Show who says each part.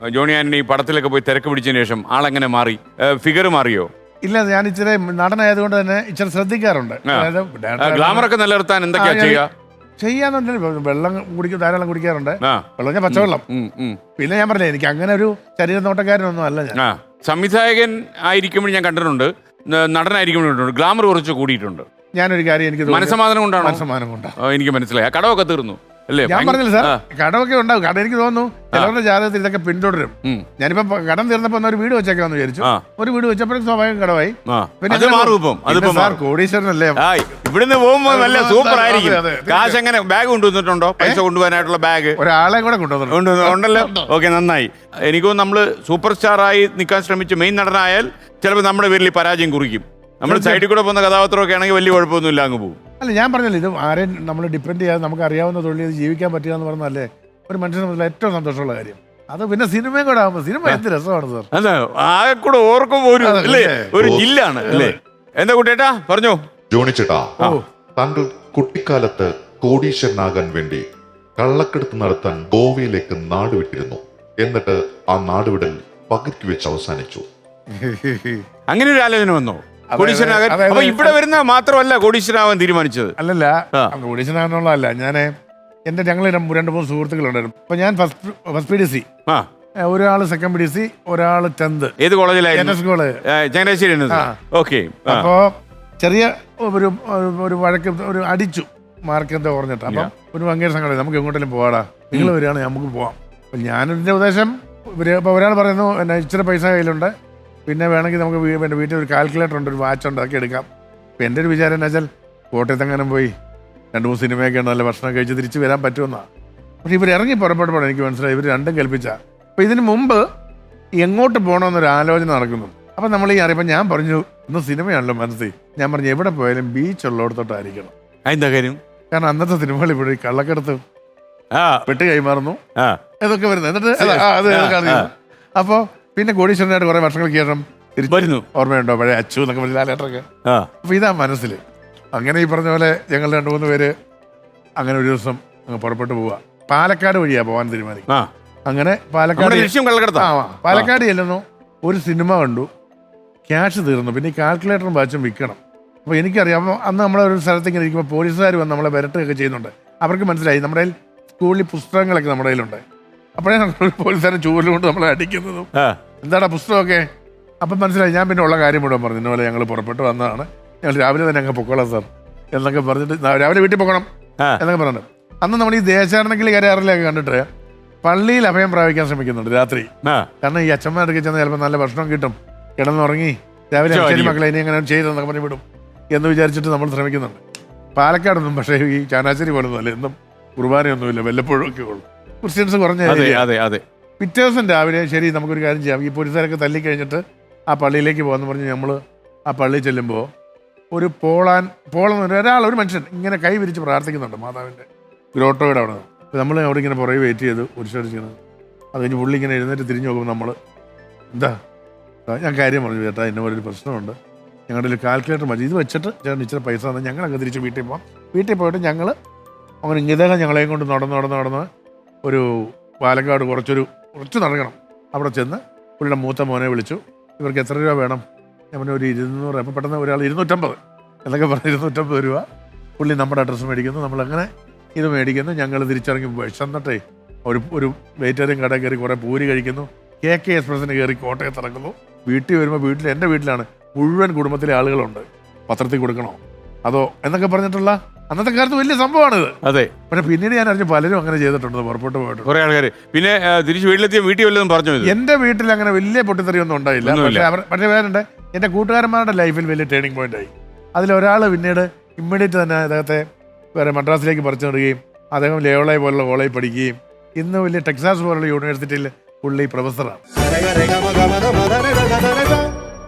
Speaker 1: Johnny Antony പടത്തിലൊക്കെ പോയി തിരക്ക് പിടിച്ചതിന് ശേഷം ആളെങ്ങനെ മാറി? ഫിഗർ മാറിയോ?
Speaker 2: ഇല്ല, ഞാൻ ഇച്ചിരി നടനായതുകൊണ്ട് തന്നെ ഇച്ചിരി ശ്രദ്ധിക്കാറുണ്ട്.
Speaker 1: ഗ്ലാമറൊക്കെ നിലനിർത്താൻ എന്തൊക്കെയാ
Speaker 2: ചെയ്യാന്നുണ്ടെങ്കിൽ വെള്ളം ധാരാളം കുടിക്കാറുണ്ട്. വെള്ളം ഞാൻ പച്ചവെള്ളം. പിന്നെ ഞാൻ പറഞ്ഞില്ലേ, എനിക്ക് അങ്ങനെ ഒരു ശരീര നോട്ടക്കാരനൊന്നും അല്ല ഞാൻ.
Speaker 1: സംവിധായകൻ ആയിരിക്കുമ്പോൾ ഞാൻ കണ്ടിട്ടുണ്ട്, നടനായിരിക്കുമ്പോഴുണ്ട് ഗ്ലാമർ കുറച്ച് കൂടിയിട്ടുണ്ട്.
Speaker 2: ഞാനൊരു കാര്യം എനിക്ക്
Speaker 1: മനസ്സമാധാനം കൊണ്ടാണ്.
Speaker 2: മനസ്സമാനം കൊണ്ടാണ്.
Speaker 1: എനിക്ക് മനസ്സിലായി. കടമൊക്കെ തീർന്നു അല്ലേ?
Speaker 2: ഞാൻ പറഞ്ഞില്ല സാർ, കടമൊക്കെ ഉണ്ടാവും. കടം എനിക്ക് തോന്നുന്നു ചിലവരുടെ ജാതകത്തിൽ ഇതൊക്കെ പിന്തുടരും. ഞാനിപ്പോ കടം തീർന്നപ്പോ ഒരു വീട് വെച്ചേക്കാന്ന് വിചാരിച്ചു. ഒരു വീട് വെച്ചപ്പോഴും സ്വാഭാവികം കടമായി.
Speaker 1: പിന്നെ
Speaker 2: സാർ കോടീശ്വരനല്ലേ,
Speaker 1: ഇവിടുന്ന് പോകുമ്പോ നല്ല സൂപ്പർ ആയിരിക്കും. കാശ് എങ്ങനെ ബാഗ് കൊണ്ടുവന്നിട്ടുണ്ടോ? പൈസ കൊണ്ടുപോകാനായിട്ടുള്ള ബാഗ്
Speaker 2: ഒരാളെ കൂടെ കൊണ്ടുവന്നിട്ടുണ്ടല്ലോ.
Speaker 1: ഓക്കെ, നന്നായി. എനിക്കും നമ്മള് സൂപ്പർ സ്റ്റാർ ആയി നിൽക്കാൻ ശ്രമിച്ച് മെയിൻ നടനായാൽ ചിലപ്പോൾ നമ്മുടെ പേരിൽ പരാജയം കുറിക്കും. നമ്മൾ സൈഡിൽ കൂടെ പോകുന്ന കഥാപാത്രമൊക്കെ ആണെങ്കിൽ വലിയ കുഴപ്പമൊന്നുമില്ല, അങ്ങ് പോകും.
Speaker 2: അല്ല, ഞാൻ പറഞ്ഞല്ലോ, ഇത് ആരെയും നമ്മൾ ഡിപ്പെൻഡ് ചെയ്യാതെ നമുക്ക് അറിയാവുന്ന തൊഴിൽ ജീവിക്കാൻ പറ്റുക എന്ന് പറഞ്ഞാലേ ഒരു മനുഷ്യനെ സംബന്ധിച്ച് ഏറ്റവും സന്തോഷമുള്ള കാര്യം. അത് പിന്നെ സിനിമയും കൂടെ ആകുമ്പോൾ സിനിമ എന്ത് രസമാണ് സാർ.
Speaker 1: അതെ, ആകെ കൂടെ ഓർക്കുമ്പോൾ ഒരു ജില്ലാണ് അല്ലേ? എന്താ കുട്ടേട്ടാ പറഞ്ഞോ?
Speaker 3: ജോണി ചേട്ടാ, താങ്കൾ കുട്ടിക്കാലത്ത് കോടീശ്വരനാകാൻ വേണ്ടി കള്ളക്കടത്ത് നടത്താൻ ഗോവയിലേക്ക് നാടുവിട്ടിരുന്നു. എന്നിട്ട് ആ നാടുവിടൽ പകുതിക്ക് വെച്ച് അവസാനിച്ചു.
Speaker 1: അങ്ങനെ ഒരു ആലോചന വന്നോ? കോടീശ്വരനാകാൻ ഇവിടെ വരുന്ന മാത്രമല്ല കോടീശ്വരനാവാൻ തീരുമാനിച്ചത്.
Speaker 2: അല്ലല്ല, കോടീശ്വരനാകാനുള്ളതല്ല. ഞങ്ങൾ 2-3 സുഹൃത്തുക്കളുണ്ടായിരുന്നു. അപ്പൊ ഞാൻ ഫസ്റ്റ് PDC, ഒരാള് സെക്കൻഡ് PDC, ഒരാള് 10th.
Speaker 1: ഏത് കോളേജിലായിരുന്നു?
Speaker 2: NS college,
Speaker 1: Changanassery. ഓക്കെ.
Speaker 2: അപ്പോ ചെറിയ ഒരു വഴക്ക് അടിച്ചു, മാർക്ക് എന്താ കുറഞ്ഞിട്ട്. അപ്പം ഒരു ഭയങ്കര സംഘടന, നമുക്ക് എങ്ങോട്ടെങ്കിലും പോവാടാ, നിങ്ങൾ വരികയാണെങ്കിൽ നമുക്ക് പോവാം. അപ്പൊ ഞാനെന്റെ ഉദ്ദേശം, ഇപ്പൊ ഒരാൾ പറയുന്നു എന്നെ ഇച്ചിരി പൈസ കയ്യിലുണ്ട്, പിന്നെ വേണമെങ്കിൽ നമുക്ക് എൻ്റെ വീട്ടിൽ ഒരു കാൽക്കുലേറ്റർ ഉണ്ട്, ഒരു വാച്ച് ഉണ്ട്, അതൊക്കെ എടുക്കാം. അപ്പം എൻ്റെ ഒരു വിചാരം എന്താ വെച്ചാൽ കോട്ടയത്തെങ്ങാനും പോയി 2-3 സിനിമയൊക്കെ ഉണ്ട്, നല്ല ഭക്ഷണം കഴിച്ച് തിരിച്ച് വരാൻ പറ്റുമെന്നാണ്. പക്ഷേ ഇവർ ഇറങ്ങി പുറപ്പെട്ടപ്പോൾ എനിക്ക് മനസ്സിലായി ഇവർ രണ്ടും കൽപ്പിച്ച. അപ്പോൾ ഇതിന് മുമ്പ് എങ്ങോട്ട് പോകണമെന്നൊരു ആലോചന നടക്കുന്നു. അപ്പം നമ്മൾ ഈ അറിയപ്പോൾ ഞാൻ പറഞ്ഞു, ഇന്ന് സിനിമയാണല്ലോ മനസ്സിൽ. ഞാൻ പറഞ്ഞു എവിടെ പോയാലും ബീച്ച് ഉള്ളിടത്തോട്ടായിരിക്കണം.
Speaker 1: എന്താ കാര്യം?
Speaker 2: കാരണം അന്നത്തെ സിനിമകൾ ഇവിടെ കള്ളക്കടത്ത് പെട്ട് കൈമാറുന്നു, ഇതൊക്കെ വരുന്നത്. എന്നിട്ട് അപ്പോൾ പിന്നെ കോടീശ്വരനായിട്ട് കുറെ വർഷങ്ങൾക്ക് ശേഷം
Speaker 1: വരുന്നു.
Speaker 2: ഓർമ്മയുണ്ടോ പഴയ അച്ചു എന്നൊക്കെ പറഞ്ഞ ലാലേട്ടറൊക്കെ? അപ്പൊ ഇതാ മനസ്സിൽ. അങ്ങനെ ഈ പറഞ്ഞ പോലെ ഞങ്ങൾ 2-3 പേര് അങ്ങനെ ഒരു ദിവസം പുറപ്പെട്ടു പോവുക. പാലക്കാട് വഴിയാ പോകാൻ തീരുമാനിക്കും. അങ്ങനെ പാലക്കാട് ചെല്ലുന്നു, ഒരു സിനിമ കണ്ടു, ക്യാഷ് തീർന്നു, പിന്നെ ഈ കാൽക്കുലേറ്ററും വാച്ചും വിൽക്കണം. അപ്പോൾ എനിക്കറിയാം, അപ്പോൾ അന്ന് നമ്മളൊരു സ്ഥലത്ത് ഇങ്ങനെ ഇരിക്കുമ്പോൾ പോലീസുകാർ വന്ന് നമ്മളെ വരട്ടുകയൊക്കെ ചെയ്യുന്നുണ്ട്. അവർക്ക് മനസ്സിലായി നമ്മുടെ സ്കൂളിൽ പുസ്തകങ്ങളൊക്കെ നമ്മുടെ കയ്യിലുണ്ട്. അപ്പോഴേ പോലീസുകാരൻ ചൂരിലുകൊണ്ട് നമ്മളെ അടിക്കുന്നതും എന്താടാ പുസ്തകമൊക്കെ. അപ്പം മനസ്സിലായി. ഞാൻ പിന്നെ ഉള്ള കാര്യം മുഴുവൻ പറഞ്ഞു, ഇന്നപോലെ ഞങ്ങൾ പുറപ്പെട്ട് വന്നതാണ്, ഞങ്ങൾ രാവിലെ തന്നെ അങ്ങ് പൊക്കോളാം സാർ എന്നൊക്കെ പറഞ്ഞിട്ട് രാവിലെ വീട്ടിൽ പോകണം എന്നൊക്കെ പറഞ്ഞിട്ട്. അന്ന് നമ്മൾ ഈ ദേശാടനക്കിൽ കരയാറിലൊക്കെ കണ്ടിട്ട് പള്ളിയിൽ അഭയം പ്രാപിക്കാൻ ശ്രമിക്കുന്നുണ്ട് രാത്രി. കാരണം ഈ അച്ഛന്മാരൊക്കെ ചെന്ന് ചിലപ്പോൾ നല്ല ഭക്ഷണം കിട്ടും, കിടന്നുറങ്ങി രാവിലെ ശരി മക്കളെ ഇനി അങ്ങനെ ചെയ്തെന്നൊക്കെ പറഞ്ഞ് വിടും എന്ന് വിചാരിച്ചിട്ട് നമ്മൾ ശ്രമിക്കുന്നുണ്ട്. പാലക്കാടൊന്നും പക്ഷേ ഈ ചങ്ങനാശ്ശേരി പോലെ ഒന്നുമല്ല, എന്നും കുർബാനയൊന്നുമില്ല, വല്ലപ്പോഴും ഒക്കെ ഉള്ളൂ. ക്രിസ്ത്യൻസ് കുറഞ്ഞ. പിറ്റേ ദിവസം രാവിലെ ശരി നമുക്കൊരു കാര്യം ചെയ്യാം, ഈ പോലീസുകാരൊക്കെ തല്ലിക്കഴിഞ്ഞിട്ട് ആ പള്ളിയിലേക്ക് പോകാമെന്ന് പറഞ്ഞ് നമ്മൾ ആ പള്ളിയിൽ ചെല്ലുമ്പോൾ ഒരു ഒരു മനുഷ്യൻ ഇങ്ങനെ കൈ വിരിച്ച് പ്രാർത്ഥിക്കുന്നുണ്ട് മാതാവിൻ്റെ ഗ്രോട്ടോയുടെ അവിടെ നിന്ന്. നമ്മൾ അവിടെ ഇങ്ങനെ പുറകെ വെയിറ്റ് ചെയ്ത് കുരിശടിച്ചിരുന്നത്. അത് കഴിഞ്ഞ് പുള്ളി ഇങ്ങനെ എഴുന്നേറ്റ് തിരിഞ്ഞ് നോക്കുമ്പോൾ നമ്മൾ എന്താ, ഞാൻ കാര്യം പറഞ്ഞു ചേട്ടാ, ഇന്ന പോലെ ഒരു പ്രശ്നമുണ്ട്, ഞങ്ങളുടെ ഒരു കാൽക്കുലേറ്റർ മതി, ഇത് വെച്ചിട്ട് ചേട്ടൻ ഇച്ചിരി പൈസ തന്നെ ഞങ്ങളങ്ങ് തിരിച്ച് വീട്ടിൽ പോകാം. വീട്ടിൽ പോയിട്ട് ഞങ്ങൾ അങ്ങനെ ഇദ്ദേഹം ഞങ്ങളെയും കൊണ്ട് നടന്ന് ഒരു പാലക്കാട് കുറച്ച് നടക്കണം. അവിടെ ചെന്ന് പുള്ളിയുടെ മൂത്ത മോനെ വിളിച്ചു, ഇവർക്ക് എത്ര രൂപ വേണം? ഞാൻ പറഞ്ഞു ഒരു 200. അപ്പോൾ പെട്ടെന്ന് ഒരാൾ 250 എന്നൊക്കെ പറഞ്ഞ് 250 രൂപ. പുള്ളി നമ്മുടെ അഡ്രസ്സ് മേടിക്കുന്നു, നമ്മളങ്ങനെ ഇത് മേടിക്കുന്നു. ഞങ്ങൾ തിരിച്ചിറങ്ങി വിശന്നിട്ടേ ഒരു വെയിറ്ററിയും കടയിൽ കയറി കുറേ പൂരി കഴിക്കുന്നു. KK എക്സ്പ്രസ്സിന് കയറി കോട്ടയത്ത് ഇറങ്ങുന്നു. വീട്ടിൽ വരുമ്പോൾ എൻ്റെ വീട്ടിലാണ് മുഴുവൻ കുടുംബത്തിലെ ആളുകളുണ്ട്. പത്രത്തിൽ കൊടുക്കണോ അതോ എന്നൊക്കെ പറഞ്ഞിട്ടുള്ള അന്നത്തെ കാലത്ത് വലിയ സംഭവമാണിത്.
Speaker 1: അതെ.
Speaker 2: പക്ഷെ പിന്നീട് ഞാൻ അറിഞ്ഞു പലരും അങ്ങനെ ചെയ്തിട്ടുണ്ട്, പുറപ്പെട്ടു പോയിട്ട് കുറേ ആൾക്കാർ.
Speaker 1: പിന്നെ തിരിച്ച് വീട്ടിലെത്തിയ വീട്ടിൽ വല്ലതും പറഞ്ഞു?
Speaker 2: എൻ്റെ വീട്ടിൽ അങ്ങനെ വലിയ പൊട്ടിത്തെറിയൊന്നും ഉണ്ടായില്ല. പക്ഷേ വേറുണ്ട്, എൻ്റെ കൂട്ടുകാരന്മാരുടെ ലൈഫിൽ വലിയ ടേണിംഗ് പോയിന്റ് ആയി. അതിലൊരാൾ പിന്നീട് ഇമ്മീഡിയറ്റ് തന്നെ അദ്ദേഹത്തെ വേറെ മദ്രാസിലേക്ക് പറിച്ചു നടുകയും അദ്ദേഹം ലേവളായി പോലുള്ള കോളേജിൽ പഠിക്കുകയും ഇന്ന് വലിയ ടെക്സാസ് പോലുള്ള യൂണിവേഴ്സിറ്റിയിൽ പുള്ളി പ്രൊഫസറാണ്.